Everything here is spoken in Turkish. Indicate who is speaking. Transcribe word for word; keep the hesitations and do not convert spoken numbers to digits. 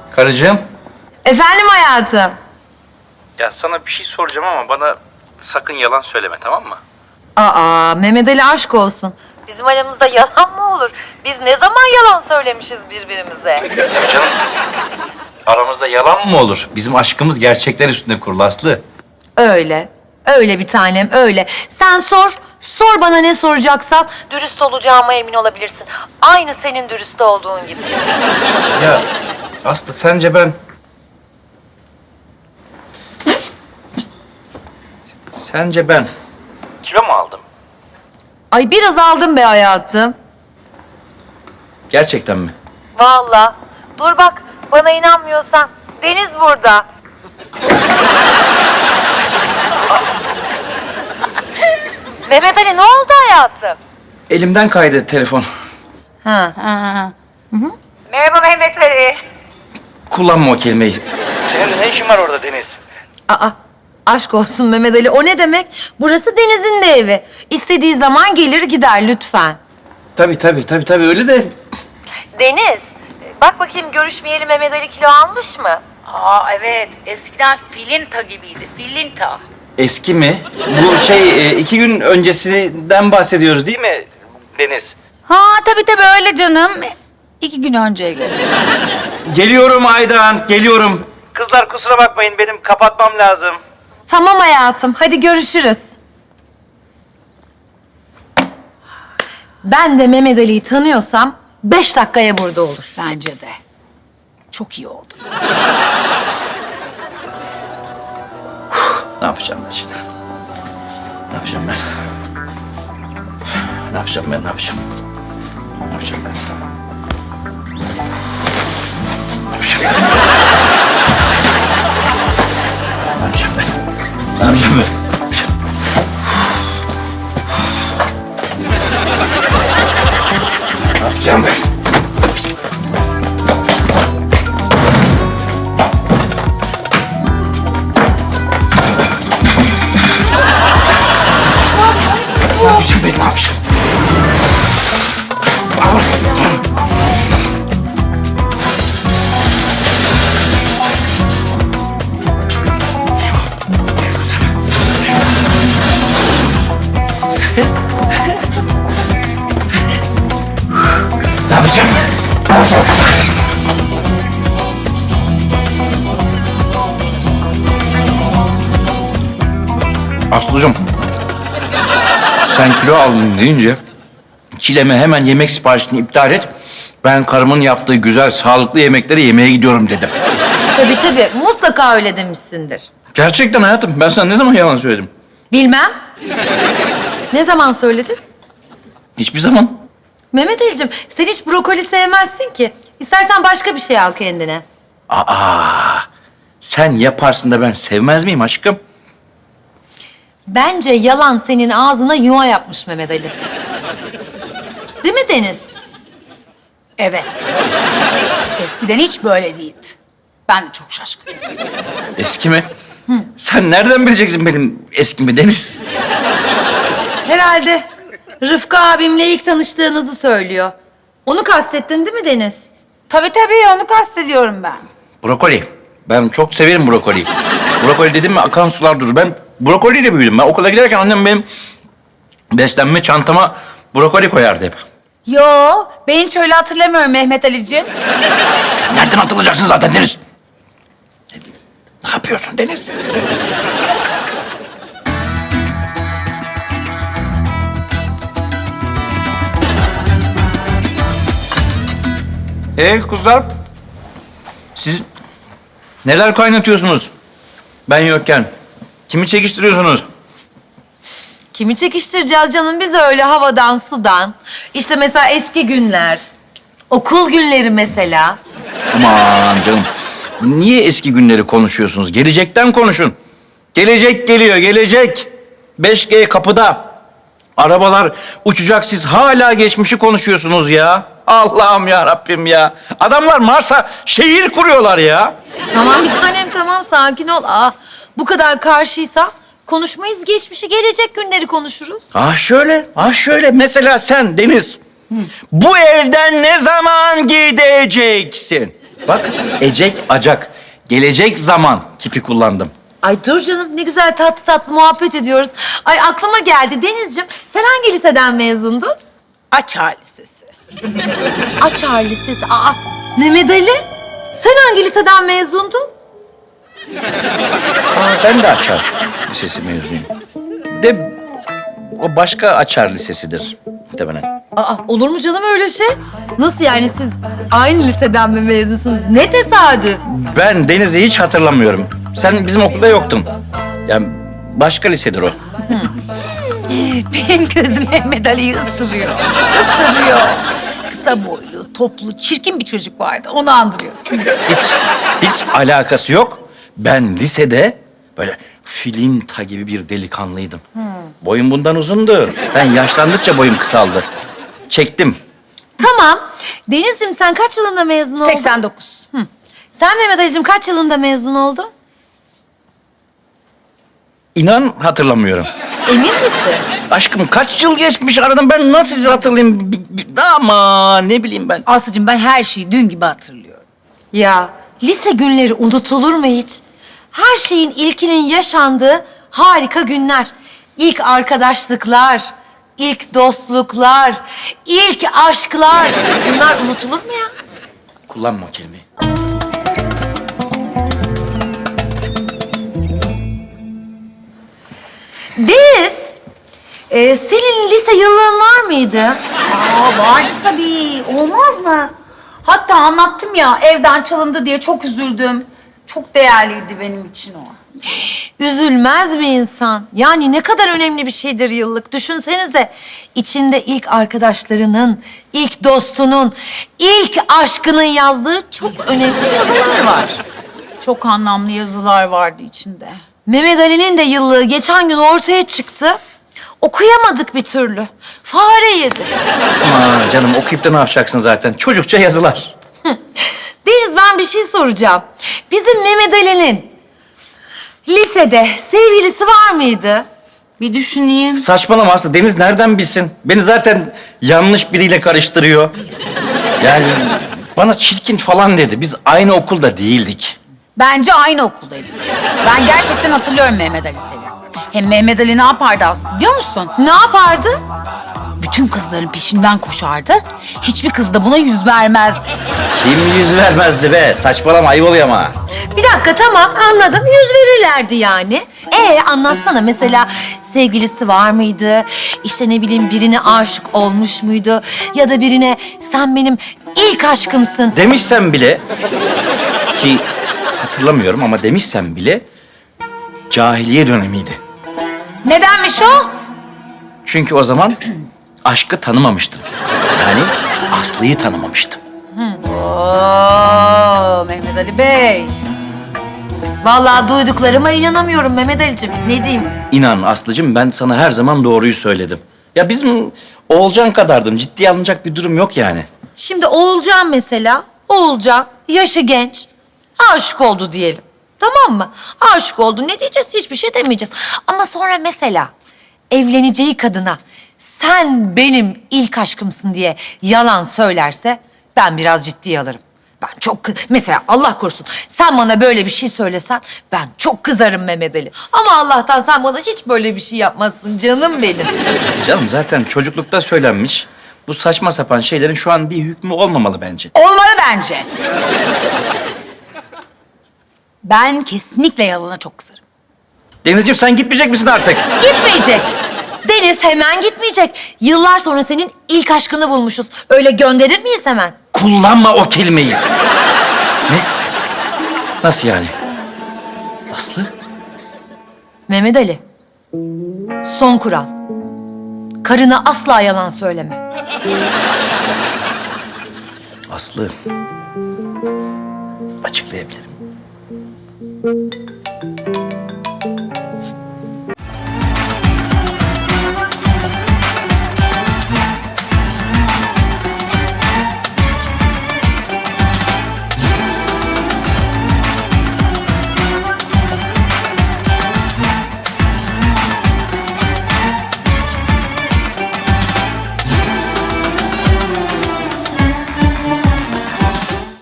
Speaker 1: Karıcığım.
Speaker 2: Efendim hayatım.
Speaker 1: Ya sana bir şey soracağım ama bana sakın yalan söyleme, tamam mı?
Speaker 2: Aa, Mehmet Ali aşk olsun. Bizim aramızda yalan mı olur? Biz ne zaman yalan söylemişiz birbirimize?
Speaker 1: Tabii canım. Aramızda yalan mı olur? Bizim aşkımız gerçekler üstünde kurulu Aslı.
Speaker 2: Öyle. Öyle bir tanem, öyle. Sen sor, sor bana ne soracaksan. Dürüst olacağıma emin olabilirsin. Aynı senin dürüst olduğun gibi.
Speaker 1: Ya Aslı sence ben... Sence ben kilo mu aldım?
Speaker 2: Ay biraz aldım be hayatım.
Speaker 1: Gerçekten mi?
Speaker 2: Vallahi. Dur bak, bana inanmıyorsan. Deniz burada. Mehmet Ali ne oldu hayatım?
Speaker 1: Elimden kaydı telefon.
Speaker 2: Ha.
Speaker 3: Ha.
Speaker 2: Merhaba Mehmet Ali.
Speaker 1: Kullanma o kelimeyi. Senin ne işin var orada Deniz?
Speaker 2: Aa, aşk olsun Mehmet Ali. O ne demek? Burası Deniz'in de evi. İstediği zaman gelir gider lütfen.
Speaker 1: Tabii tabii tabii tabii öyle de...
Speaker 2: Deniz, bak bakayım görüşmeyeli Mehmet Ali kilo almış mı?
Speaker 3: Aa evet. Eskiden filinta gibiydi. Filinta.
Speaker 1: Eski mi? Bu şey e, iki gün öncesinden bahsediyoruz değil mi Deniz?
Speaker 3: Ha tabii tabii öyle canım. İki gün önceye göre.
Speaker 1: Geliyorum Aydan, geliyorum. Kızlar kusura bakmayın, benim kapatmam lazım.
Speaker 2: Tamam hayatım, hadi görüşürüz. Ben de Mehmet Ali'yi tanıyorsam beş dakikaya burada olur.
Speaker 3: Bence de. Çok iyi oldu.
Speaker 1: Ne yapacağım ben şimdi? Ne yapacağım ben? Ne yapacağım ben, ne yapacağım? Ne yapacağım ben? Ne yapacağım ben? Ne yapacağım ben? Ne yapacağım ben? Ne yapacağım ben? Ne yapacağım ben, ne yapacağım? Ne yapacağım? Ne yapacağım? Aslıcığım, sen kilo aldın deyince Çilem'e hemen yemek siparişini iptal et. Ben karımın yaptığı güzel, sağlıklı yemekleri yemeye gidiyorum dedim.
Speaker 2: Tabii tabii, mutlaka öyle demişsindir.
Speaker 1: Gerçekten hayatım, ben sana ne zaman yalan söyledim?
Speaker 2: Bilmem. Ne zaman söyledin?
Speaker 1: Hiçbir zaman.
Speaker 2: Mehmet Ali'cim, sen hiç brokoli sevmezsin ki. İstersen başka bir şey al kendine.
Speaker 1: Aa, sen yaparsın da ben sevmez miyim aşkım?
Speaker 2: Bence yalan senin ağzına yuva yapmış Mehmet Ali. Değil mi Deniz?
Speaker 3: Evet. Eskiden hiç böyle değildi. Ben de çok şaşkınım.
Speaker 1: Eski mi? Sen nereden bileceksin benim eskimi Deniz?
Speaker 2: Herhalde Rıfkı abimle ilk tanıştığınızı söylüyor. Onu kastettin değil mi Deniz?
Speaker 3: Tabii tabii onu kastediyorum ben.
Speaker 1: Brokoli. Ben çok severim brokoliyi. Brokoli dedim mi akan sular durur. Ben brokoliyle büyüdüm. Ben okula giderken annem benim beslenme çantama brokoli koyardı hep.
Speaker 3: Yo, ben hiç öyle hatırlamıyorum Mehmet Ali'ciğim.
Speaker 1: Sen nereden atılacaksın zaten Deniz? Ne yapıyorsun Deniz? Ee kızlar, siz neler kaynatıyorsunuz? Ben yokken. Kimi çekiştiriyorsunuz?
Speaker 2: Kimi çekiştireceğiz canım biz öyle havadan sudan. İşte mesela eski günler. Okul günleri mesela.
Speaker 1: Aman canım. Niye eski günleri konuşuyorsunuz? Gelecekten konuşun. Gelecek geliyor, gelecek. beş G kapıda. Arabalar uçacak, siz hala geçmişi konuşuyorsunuz ya. Allah'ım ya Rabbim ya. Adamlar Mars'a şehir kuruyorlar ya.
Speaker 2: Tamam bir tanem tamam sakin ol. Aa, bu kadar karşıysan konuşmayız geçmişi gelecek günleri konuşuruz.
Speaker 1: Ah şöyle, ah şöyle. Mesela sen Deniz, bu evden ne zaman gideceksin? Bak, ecek acak. Gelecek zaman kipi kullandım.
Speaker 2: Ay dur canım, ne güzel tatlı tatlı muhabbet ediyoruz. Ay aklıma geldi Denizciğim, sen hangi liseden mezundun?
Speaker 3: Açar Lisesi.
Speaker 2: Açar Lisesi. Aa, Mehmet Ali, sen hangi liseden mezundun?
Speaker 1: Aa, ben de Açar Lisesi mezunuyum. De o başka Açar Lisesi'dir muhtemelen.
Speaker 2: Aa, olur mu canım öyle şey? Nasıl yani, siz aynı liseden mi mezunsunuz? Ne tesadüf.
Speaker 1: Ben Deniz'i hiç hatırlamıyorum. Sen bizim okulda yoktun. Yani başka lisedir o.
Speaker 3: Benim gözüm Mehmet Ali'yi ısırıyor. Isırıyor. Kısa boylu, toplu, çirkin bir çocuk vardı. Onu andırıyorsun.
Speaker 1: Hiç, hiç alakası yok. Ben lisede böyle filinta gibi bir delikanlıydım. Boyum bundan uzundu. Ben yaşlandıkça boyum kısaldı. Çektim.
Speaker 2: Tamam. Denizciğim, sen kaç yılında mezun oldun?
Speaker 3: seksen dokuz.
Speaker 2: Hı. Sen Mehmet Ali'cim kaç yılında mezun oldun?
Speaker 1: İnan hatırlamıyorum.
Speaker 2: Emin misin?
Speaker 1: Aşkım kaç yıl geçmiş aradan, ben nasıl hatırlayayım? B- b- Ama ne bileyim ben.
Speaker 3: Aslıcığım, ben her şeyi dün gibi hatırlıyorum.
Speaker 2: Ya lise günleri unutulur mu hiç? Her şeyin ilkinin yaşandığı harika günler. İlk arkadaşlıklar, ilk dostluklar, ilk aşklar. Bunlar unutulur mu ya?
Speaker 1: Kullanma o kelimeyi.
Speaker 2: Deniz, e, senin lise yıllığın var mıydı?
Speaker 4: Aa, vardı tabii. Olmaz mı? Hatta anlattım ya, evden çalındı diye çok üzüldüm. Çok değerliydi benim için o.
Speaker 2: Üzülmez mi insan? Yani ne kadar önemli bir şeydir yıllık. Düşünsenize, içinde ilk arkadaşlarının, ilk dostunun, ilk aşkının yazdığı çok önemli yazılar var.
Speaker 4: Çok anlamlı yazılar vardı içinde.
Speaker 2: Mehmet Ali'nin de yıllığı geçen gün ortaya çıktı. Okuyamadık bir türlü. Fare yedi.
Speaker 1: Aman canım, okuyup da ne yapacaksın zaten? Çocukça yazılar.
Speaker 2: Deniz, ben bir şey soracağım. Bizim Mehmet Ali'nin lisede sevgilisi var mıydı?
Speaker 4: Bir düşüneyim.
Speaker 1: Saçmalama Aslı. Deniz nereden bilsin? Beni zaten yanlış biriyle karıştırıyor. Yani bana çirkin falan dedi. Biz aynı okulda değildik.
Speaker 3: Bence aynı okuldaydık. Ben gerçekten hatırlıyorum Mehmet Ali seviyorum. Hem Mehmet Ali ne yapardı Aslı biliyor musun?
Speaker 2: Ne yapardı?
Speaker 3: Bütün kızların peşinden koşardı. Hiçbir kız da buna yüz vermezdi.
Speaker 1: Kim yüz vermezdi be? Saçmalama, ayıp oluyor ama.
Speaker 2: Bir dakika, tamam anladım. Yüz verirlerdi yani. Ee anlatsana, mesela sevgilisi var mıydı? İşte ne bileyim, birine aşık olmuş muydu? Ya da birine sen benim ilk aşkımsın.
Speaker 1: Demişsem bile ki hatırlamıyorum ama demişsem bile cahiliye dönemiydi.
Speaker 3: Nedenmiş o?
Speaker 1: Çünkü o zaman aşkı tanımamıştım. Yani Aslı'yı tanımamıştım.
Speaker 3: Oo, Mehmet Ali Bey.
Speaker 2: Vallahi duyduklarıma inanamıyorum Mehmet Ali'cim. Ne diyeyim?
Speaker 1: İnan Aslı'cığım, ben sana her zaman doğruyu söyledim. Ya bizim Oğulcan kadardım. Ciddiye alınacak bir durum yok yani.
Speaker 2: Şimdi Oğulcan mesela, Oğulcan yaşı genç, aşık oldu diyelim. Tamam mı? Aşık oldu. Ne diyeceğiz? Hiçbir şey demeyeceğiz. Ama sonra mesela evleneceği kadına sen benim ilk aşkımsın diye yalan söylerse ben biraz ciddiye alırım. Ben çok kı- mesela Allah korusun sen bana böyle bir şey söylesen ben çok kızarım Mehmet Ali. Ama Allah'tan sen bana hiç böyle bir şey yapmazsın canım benim.
Speaker 1: Canım zaten çocuklukta söylenmiş. Bu saçma sapan şeylerin şu an bir hükmü olmamalı bence.
Speaker 3: Olmalı bence. Ben kesinlikle yalana çok kızarım.
Speaker 1: Denizciğim, sen gitmeyecek misin artık?
Speaker 2: Gitmeyecek. Deniz hemen gitmeyecek. Yıllar sonra senin ilk aşkını bulmuşuz. Öyle gönderir miyiz hemen?
Speaker 1: Kullanma o kelimeyi. Ne? Nasıl yani? Aslı?
Speaker 2: Mehmet Ali. Son kural. Karına asla yalan söyleme.
Speaker 1: Aslı. Açıklayabilirim.